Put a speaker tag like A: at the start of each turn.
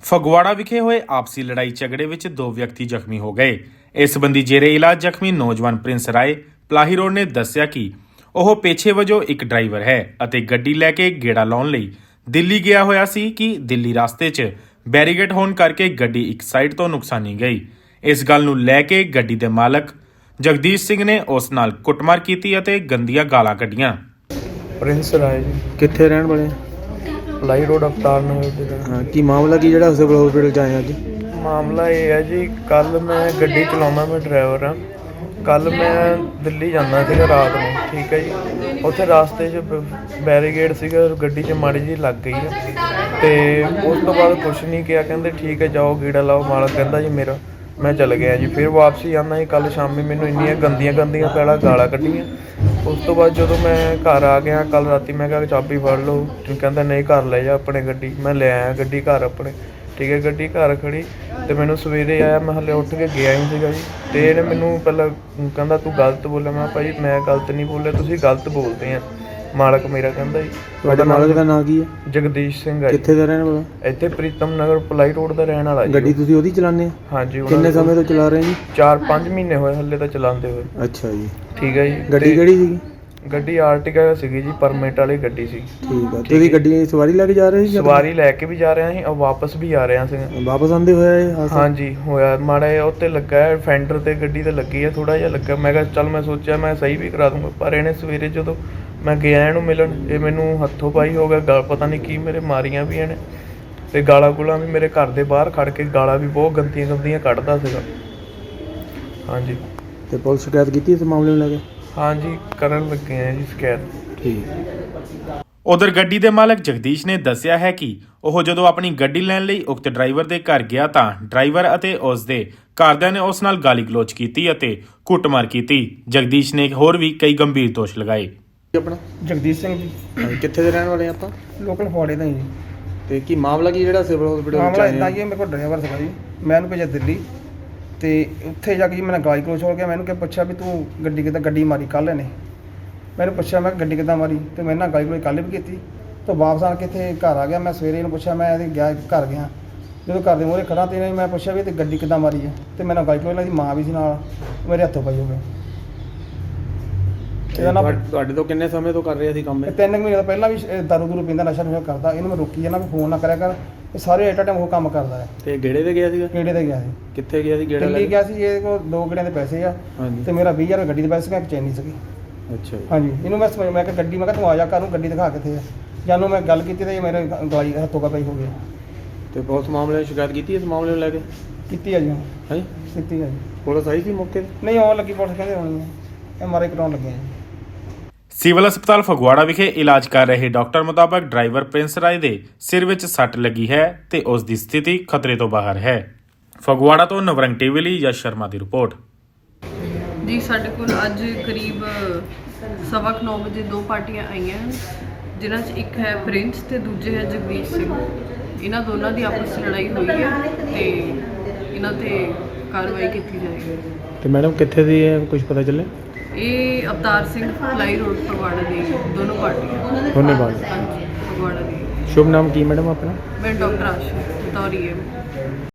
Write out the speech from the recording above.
A: ਫਗਵਾੜਾ ਵਿਖੇ ਹੋਏ ਆਪਸੀ ਲੜਾਈ ਝਗੜੇ ਵਿੱਚ 2 ਵਿਅਕਤੀ ਜ਼ਖਮੀ ਹੋ ਗਏ। ਇਸ ਸੰਬੰਧੀ ਜੇਰੇ ਇਲਾਜ ਜ਼ਖਮੀ ਨੌਜਵਾਨ ਪ੍ਰਿੰਸ ਰਾਏ ਪਲਾਹੀ ਰੋਡ ਨੇ ਦੱਸਿਆ ਕਿ ਉਹ ਪੇਸ਼ੇ ਵਜੋਂ ਇੱਕ ਡਰਾਈਵਰ ਹੈ ਅਤੇ ਗੱਡੀ ਲੈ ਕੇ ਗੇੜਾ ਲਾਉਣ ਲਈ ਦਿੱਲੀ ਗਿਆ ਹੋਇਆ ਸੀ ਕਿ ਦਿੱਲੀ ਰਸਤੇ 'ਚ ਬੈਰੀਗੇਡ ਹੋਣ ਕਰਕੇ ਗੱਡੀ ਇੱਕ ਸਾਈਡ ਤੋਂ ਨੁਕਸਾਨੀ ਗਈ। ਇਸ ਗੱਲ ਨੂੰ ਲੈ ਕੇ ਗੱਡੀ ਦੇ ਮਾਲਕ ਜਗਦੀਸ਼ ਸਿੰਘ ਨੇ ਉਸ ਨਾਲ ਕੁੱਟਮਾਰ ਕੀਤੀ ਅਤੇ ਗੰਦੀਆਂ ਗਾਲਾਂ ਕੱਢੀਆਂ।
B: ਪ੍ਰਿੰਸ ਰਾਏ ਜੀ,
C: ਕਿੱਥੇ ਰਹਿਣ ਵਾਲੇ?
B: ਪਲਾਈ ਰੋਡ ਅਵਤਾਰ ਨਗਰ ਦੇ।
C: ਹਾਂ, ਕੀ ਮਾਮਲਾ ਕੀ ਜਿਹੜਾ ਸਿਵਲ ਹਸਪੀਟਲ ਚ ਆਏ ਅੱਜ?
B: ਮਾਮਲਾ ਇਹ ਹੈ ਜੀ, ਕੱਲ ਮੈਂ ਗੱਡੀ ਚਲਾਉਂਦਾ, ਮੈਂ ਡਰਾਈਵਰ ਹਾਂ। ਕੱਲ ਮੈਂ ਦਿੱਲੀ ਜਾਂਦਾ ਸੀਗਾ ਰਾਤ ਨੂੰ, ਠੀਕ ਹੈ ਜੀ। ਉੱਥੇ ਰਾਸਤੇ 'ਚ ਬੈਰੀਗੇਡ ਸੀਗਾ, ਗੱਡੀ 'ਚ ਮਾੜੀ ਜਿਹੀ ਲੱਗ ਗਈ ਹੈ ਅਤੇ ਉਸ ਤੋਂ ਬਾਅਦ ਕੁਛ ਨਹੀਂ ਕਿਹਾ, ਕਹਿੰਦੇ ਠੀਕ ਹੈ ਜਾਓ ਗੇੜਾ ਲਾਓ। ਮਾਲਕ ਕਹਿੰਦਾ ਜੀ ਮੇਰਾ, ਮੈਂ ਚਲ ਗਿਆ ਜੀ। ਫਿਰ ਵਾਪਸੀ ਆਉਂਦਾ ਜੀ, ਕੱਲ੍ਹ ਸ਼ਾਮੀ ਮੈਨੂੰ ਇੰਨੀਆਂ ਗੰਦੀਆਂ ਪਹਿਲਾਂ ਗਾਲਾਂ ਕੱਢੀਆਂ। ਉਸ ਤੋਂ ਬਾਅਦ ਜਦੋਂ ਮੈਂ ਘਰ ਆ ਗਿਆ ਕੱਲ੍ਹ ਰਾਤੀ, ਮੈਂ ਕਿਹਾ ਚਾਬੀ ਫੜ ਲਓ, ਕਹਿੰਦਾ ਨਹੀਂ ਘਰ ਲੈ ਜਾ ਆਪਣੇ ਗੱਡੀ। ਮੈਂ ਲੈ ਆਇਆ ਗੱਡੀ ਘਰ ਆਪਣੇ, ਠੀਕ ਹੈ। ਗੱਡੀ ਘਰ ਖੜੀ ਅਤੇ ਮੈਨੂੰ ਸਵੇਰੇ ਆਇਆ, ਮੈਂ ਹਾਲੇ ਉੱਠ ਕੇ ਗਿਆ ਹੀ ਸੀਗਾ ਜੀ। ਅਤੇ ਇਹਨੇ ਮੈਨੂੰ ਪਹਿਲਾਂ ਕਹਿੰਦਾ ਤੂੰ ਗਲਤ ਬੋਲਿਆ। ਮੈਂ ਭਾਈ ਮੈਂ ਗਲਤ ਨਹੀਂ ਬੋਲਿਆ, ਤੁਸੀਂ ਗਲਤ ਬੋਲਦੇ ਆ। ਮਾਲਕ ਮੇਰਾ ਕਹਿੰਦਾ ਜੀ।
C: ਤੁਹਾਡੇ ਮਾਲਕ ਦਾ ਨਾਂ ਕੀ ਹੈ?
B: ਜਗਦੀਸ਼ ਸਿੰਘ ਹੈ।
C: ਕਿੱਥੇ ਦਾ ਰਹਿਣ ਵਾਲਾ?
B: ਇੱਥੇ ਪ੍ਰੀਤਮ ਨਗਰ ਪਲਾਈ ਰੋਡ ਦਾ ਰਹਿਣ ਵਾਲਾ ਜੀ।
C: ਗੱਡੀ ਤੁਸੀਂ ਉਹਦੀ ਚਲਾਉਂਦੇ ਆ?
B: ਹਾਂਜੀ।
C: ਕਿੰਨੇ ਸਮੇਂ ਤੋਂ ਚਲਾ ਰਹੇ ਜੀ?
B: 4-5 ਮਹੀਨੇ ਹੋਏ ਹੱਲੇ ਤਾਂ ਚਲਾਉਂਦੇ ਹੋਏ।
C: ਅੱਛਾ ਜੀ,
B: ਠੀਕ ਹੈ ਜੀ।
C: ਗੱਡੀ ਕਿਹੜੀ ਸੀਗੀ?
B: ਗੱਡੀ ਆਰਟਿਕਾ ਸੀਗੀ ਜੀ, ਪਰਮਿਟ ਵਾਲੀ ਗੱਡੀ ਸੀ।
C: ਠੀਕ ਆ। ਤੁਸੀਂ ਗੱਡੀ ਸਵਾਰੀ ਲੈ ਕੇ ਜਾ ਰਹੇ ਸੀ?
B: ਸਵਾਰੀ ਲੈ ਕੇ ਵੀ ਜਾ ਰਿਹਾ ਸੀ ਔਰ ਵਾਪਸ ਵੀ ਆ ਰਿਹਾ ਸੀ।
C: ਵਾਪਸ ਆਉਂਦੇ ਹੋਇਆ ਇਹ ਹਾਦਸਾ?
B: ਹਾਂਜੀ ਹੋਇਆ। ਮਾੜਾ ਜਿਹਾ ਉੱਤੇ ਲੱਗਾ ਹੈ, ਫੈਂਡਰ ਤੇ ਗੱਡੀ ਤੇ ਲੱਗੀ ਹੈ, ਥੋੜਾ ਜਿਹਾ ਲੱਗਾ। ਮੈਂ ਕਿਹਾ ਚੱਲ, ਮੈਂ ਸੋਚਿਆ ਮੈਂ ਸਹੀ ਵੀ ਕਰਾ ਦੂੰਗਾ, ਪਰ ਇਹਨੇ ਸਵੇਰੇ ਜਦੋਂ ਮੈਂ ਗਿਆ ਇਹਨੂੰ ਮਿਲਣ, ਇਹ ਮੈਨੂੰ ਹੱਥੋਂ ਪਾਈ ਹੋ ਗਿਆ। ਗਲ ਪਤਾ ਨਹੀਂ ਕੀ ਮੇਰੇ ਮਾਰੀਆਂ ਵੀ ਇਹਨੇ, ਤੇ ਗਾਲਾਂ ਗੁਲਾਂ ਵੀ ਮੇਰੇ ਘਰ ਦੇ ਬਾਹਰ ਖੜ ਕੇ ਗਾਲਾਂ ਵੀ ਬਹੁਤ ਗੰਦੀਆਂ ਕੱਢਦਾ ਸੀਗਾ। ਹਾਂਜੀ।
C: ਤੇ ਪੁਲਿਸ ਸ਼ਿਕਾਇਤ ਕੀਤੀ ਇਸ ਮਾਮਲੇ ਨੂੰ ਲੈ ਕੇ?
B: ਹਾਂਜੀ ਕਰਨ ਲੱਗੇ ਆ ਜੀ ਸ਼ਿਕਾਇਤ।
C: ਠੀਕ।
A: ਉਧਰ ਗੱਡੀ ਦੇ ਮਾਲਕ ਜਗਦੀਸ਼ ਨੇ ਦੱਸਿਆ ਹੈ ਕਿ ਉਹ ਜਦੋਂ ਆਪਣੀ ਗੱਡੀ ਲੈਣ ਲਈ ਉਕਤ ਡਰਾਈਵਰ ਦੇ ਘਰ ਗਿਆ ਤਾਂ ਡਰਾਈਵਰ ਅਤੇ ਉਸ ਦੇ ਘਰਦਿਆਂ ਨੇ ਉਸ ਨਾਲ ਗਾਲੀ ਗਲੋਚ ਕੀਤੀ ਅਤੇ ਕੁੱਟਮਾਰ ਕੀਤੀ। ਜਗਦੀਸ਼ ਨੇ ਹੋਰ ਵੀ ਕਈ ਗੰਭੀਰ ਦੋਸ਼ ਲਗਾਏ।
C: ਆਪਣਾ?
D: ਜਗਦੀਸ਼ ਸਿੰਘ ਜੀ,
C: ਕਿੱਥੇ ਦੇ ਰਹਿਣ ਵਾਲੇ ਆਪਾਂ?
D: ਲੋਕਲ ਫਗਵਾੜੇ ਦਾ ਹੀ ਜੀ।
C: ਤੇ ਕੀ ਮਾਮਲਾ ਕੀ ਜਿਹੜਾ ਸਿਵਲ ਹਸਪੀਟਲ ਵਿੱਚ
D: ਮਾਮਲਾ
C: ਆਏ
D: ਇੱਦਾਂ
C: ਆ?
D: ਹੀ ਹੈ, ਮੇਰੇ ਕੋਲ ਡਰਾਈਵਰ ਸੀਗਾ ਜੀ, ਮੈਂ ਉਹਨੂੰ ਭੇਜਿਆ ਦਿੱਲੀ ਅਤੇ ਉੱਥੇ ਜਾ ਕੇ ਜੀ ਮੈਨੂੰ ਗਾਲੀ ਗਲੋਚ ਹੋ ਗਿਆ। ਮੈਨੂੰ ਪੁੱਛਿਆ ਵੀ ਤੂੰ ਗੱਡੀ ਕਿੱਦਾਂ ਗੱਡੀ ਮਾਰੀ ਕੱਲ੍ਹ ਇਹਨੇ। ਮੈਨੂੰ ਪੁੱਛਿਆ ਮੈਂ ਗੱਡੀ ਕਿੱਦਾਂ ਮਾਰੀ, ਅਤੇ ਮੈਂ ਨਾਲ ਗਾਲੀ ਗਲੋਚ ਕੱਲ੍ਹ ਵੀ ਕੀਤੀ। ਤਾਂ ਵਾਪਸ ਆ ਕੇ ਇੱਥੇ ਘਰ ਆ ਗਿਆ। ਮੈਂ ਸਵੇਰੇ ਇਹਨੂੰ ਪੁੱਛਿਆ, ਮੈਂ ਇਹਦੇ ਗਿਆ ਘਰ ਗਿਆ, ਜਦੋਂ ਘਰ ਦੇ ਮੂਹਰੇ ਖੜਾ ਤੇ ਇਹਨੇ ਮੈਂ ਪੁੱਛਿਆ ਵੀ ਤੇ ਗੱਡੀ ਕਿੱਦਾਂ ਮਾਰੀ ਹੈ, ਅਤੇ ਮੈਨੂੰ ਗਾਲੀ ਗਲੋਚ, ਇਹਨਾਂ ਦੀ ਮਾਂ ਵੀ ਸੀ ਨਾਲ, ਮੇਰੇ ਹੱਥੋਂ ਪਈ ਹੋ ਗਿਆ। ਇਹਦਾ ਨਾ
C: ਤੁਹਾਡੇ ਤੋਂ ਕਿੰਨੇ ਸਮੇਂ ਤੋਂ ਕਰ ਰਹੇ ਸੀ ਕੰਮ?
D: 3 ਮਹੀਨੇ ਤੋਂ ਪਹਿਲਾਂ ਵੀ ਦਾਰੂ ਦੂਰੂ ਪੀਂਦਾ, ਨਸ਼ਾ ਕਰਦਾ। ਇਹਨੂੰ ਮੈਂ ਰੋਕੀ ਜਾਂਦਾ ਵੀ ਫੋਨ ਨਾ ਕਰਿਆ ਕਰ, ਇਹ ਸਾਰੇ ਐਟ ਟਾਈਮ ਉਹ ਕੰਮ ਕਰਦਾ ਹੈ।
C: ਤੇ ਗੇੜੇ ਤੇ ਗਿਆ ਸੀਗਾ?
D: ਕਿਹੜੇ ਤੇ ਗਿਆ ਸੀ?
C: ਕਿੱਥੇ ਗਿਆ ਸੀ ਗੇੜਾ ਲੈ
D: ਦਿੱਲੀ
C: ਕੇ?
D: ਗਿਆ ਸੀ। ਇਹਦੇ ਕੋਲ 2 ਗੇੜਿਆਂ ਦੇ ਪੈਸੇ ਆ,
C: ਹਾਂਜੀ।
D: ਤੇ ਮੇਰਾ 20,000 ਗੱਡੀ ਦੇ ਪੈਸੇ ਸੀ, ਇੱਕ ਚੈਨੀ ਸੀਗੀ।
C: ਅੱਛਾ ਜੀ।
D: ਹਾਂਜੀ। ਇਹਨੂੰ ਮੈਂ ਕਿਹਾ ਗੱਡੀ, ਮੈਂ ਕਿਹਾ ਤੂੰ ਆ ਜਾ ਘਰ ਨੂੰ, ਗੱਡੀ ਦਿਖਾ ਕਿੱਥੇ ਆ। ਜਾਨੂੰ ਮੈਂ ਗੱਲ ਕੀਤੀ ਤੇ ਇਹ ਮੇਰੇ ਗਾਲੀ ਹੱਥੋਂ ਕਾ ਪਈ ਹੋ ਗਿਆ।
C: ਤੇ ਪੁਲਿਸ ਮਾਮਲੇ ਦੀ ਸ਼ਿਕਾਇਤ ਕੀਤੀ ਇਸ ਮਾਮਲੇ ਨੂੰ ਲੈ ਕੇ?
D: ਕੀਤੀ ਆ ਜੀ,
C: ਹਾਂ,
D: ਕੀਤੀ ਆ ਜੀ।
C: ਪੁਲਿਸ ਆਈ ਸੀ ਮੌਕੇ ਤੇ?
D: ਨਹੀਂ ਆਉਣ ਲੱਗੀ, ਪੁਲਿਸ ਕਹਿੰਦੇ ਹੋਣੀ ਹੈ, MRI ਕਰਾਉਣ ਲੱਗੇ ਆ ਜੀ।
A: ਸਿਵਲ ਹਸਪਤਾਲ ਫਗਵਾੜਾ ਵਿਖੇ ਇਲਾਜ ਕਰ ਰਹੇ ਡਾਕਟਰ ਮੁਤਾਬਕ ਡਰਾਈਵਰ ਪ੍ਰਿੰਸ ਰਾਏ ਦੇ ਸਿਰ ਵਿੱਚ ਸੱਟ ਲੱਗੀ ਹੈ ਤੇ ਉਸ ਦੀ ਸਥਿਤੀ ਖਤਰੇ ਤੋਂ ਬਾਹਰ ਹੈ। ਫਗਵਾੜਾ ਤੋਂ ਨਵਰੰਗ ਟੀਵੀ ਲਈ ਯਸ਼ ਸ਼ਰਮਾ ਦੀ ਰਿਪੋਰਟ।
E: ਜੀ ਸਾਡੇ ਕੋਲ ਅੱਜ ਕਰੀਬ 9:15 ਵਜੇ 2 ਪਾਰਟੀਆਂ ਆਈਆਂ ਹਨ, ਜਿਨ੍ਹਾਂ 'ਚ ਇੱਕ ਹੈ ਪ੍ਰਿੰਸ ਤੇ ਦੂਜੇ ਹੈ ਜਗਦੀਸ਼ ਸਿੰਘ। ਇਹਨਾਂ ਦੋਨਾਂ ਦੀ ਆਪਸ 'ਚ ਲੜਾਈ ਹੋਈ ਹੈ ਤੇ ਇਹਨਾਂ ਤੇ ਕਾਰਵਾਈ ਕੀਤੀ ਜਾਏਗੀ।
C: ਤੇ ਮੈਡਮ ਕਿੱਥੇ ਦੀ ਹੈ, ਕੁਝ ਪਤਾ ਚੱਲੇ?
E: ਇਹ ਅਵਤਾਰ ਸਿੰਘ ਪਲਾਈ ਰੋਡ ਫਗਵਾੜਾ ਦੀ ਦੋਨੋਂ ਪਾਰਟੀਆਂ।
C: ਧੰਨਵਾਦ।
E: ਹਾਂਜੀ, ਫਗਵਾੜਾ ਦੀ।
C: ਸ਼ੁਭ ਨਾਮ ਕੀ ਮੈਡਮ ਆਪਣਾ?
E: ਮੈਂ ਡਾਕਟਰ ਆਸ਼ਾ ਤੌਰੀ ਹੈ।